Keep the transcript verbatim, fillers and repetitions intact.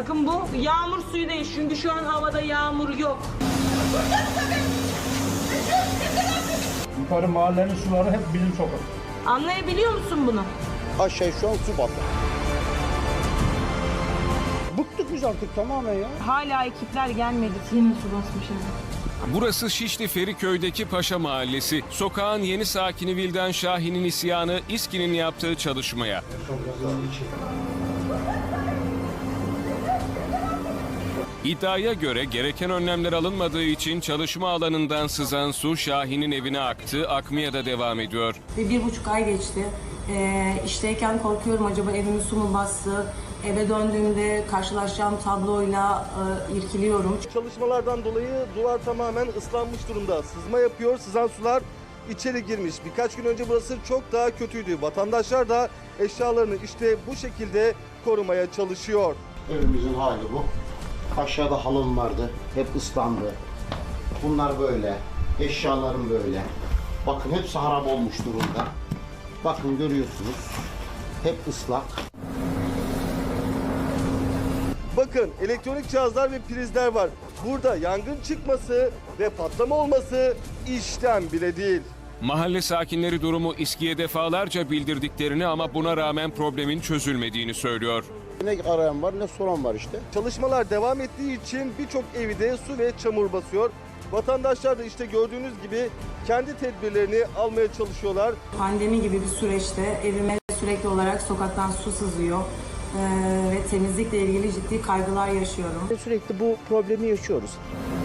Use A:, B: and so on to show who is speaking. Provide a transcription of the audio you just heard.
A: Bakın bu yağmur suyu değil çünkü şu an havada yağmur yok.
B: Yukarı mahallenin suları hep bizim sokak.
A: Anlayabiliyor musun bunu?
C: Aşağı şu an su battı. Bıktık biz artık tamamen ya.
A: Hala ekipler gelmedi. Yine su basmış eve.
D: Burası Şişli Feriköy'deki Paşa Mahallesi. Sokağın yeni sakini Vildan Şahin'in isyanı İSKİ'nin yaptığı çalışmaya. İddiaya göre gereken önlemler alınmadığı için çalışma alanından sızan su Şahin'in evine aktı, akmaya da devam ediyor.
A: Bir, bir buçuk ay geçti. Ee, işteyken korkuyorum acaba evimi su mu bastı? Eve döndüğümde karşılaşacağım tabloyla e, irkiliyorum.
E: Çalışmalardan dolayı duvar tamamen ıslanmış durumda. Sızma yapıyor, sızan sular içeri girmiş. Birkaç gün önce burası çok daha kötüydü. Vatandaşlar da eşyalarını işte bu şekilde korumaya çalışıyor.
C: Evimizin hali bu. Aşağıda halım vardı. Hep ıslandı. Bunlar böyle. Eşyalarım böyle. Bakın hepsi harap olmuş durumda. Bakın görüyorsunuz. Hep ıslak.
E: Bakın elektronik cihazlar ve prizler var. Burada yangın çıkması ve patlama olması işten bile değil.
D: Mahalle sakinleri durumu İSKİ'ye defalarca bildirdiklerini ama buna rağmen problemin çözülmediğini söylüyor.
C: Ne arayan var ne soran var işte.
E: Çalışmalar devam ettiği için birçok evi de su ve çamur basıyor. Vatandaşlar da işte gördüğünüz gibi kendi tedbirlerini almaya çalışıyorlar.
A: Pandemi gibi bir süreçte evime sürekli olarak sokaktan su sızıyor. Ee, ve temizlikle ilgili ciddi kaygılar yaşıyorum.
F: Sürekli bu problemi yaşıyoruz.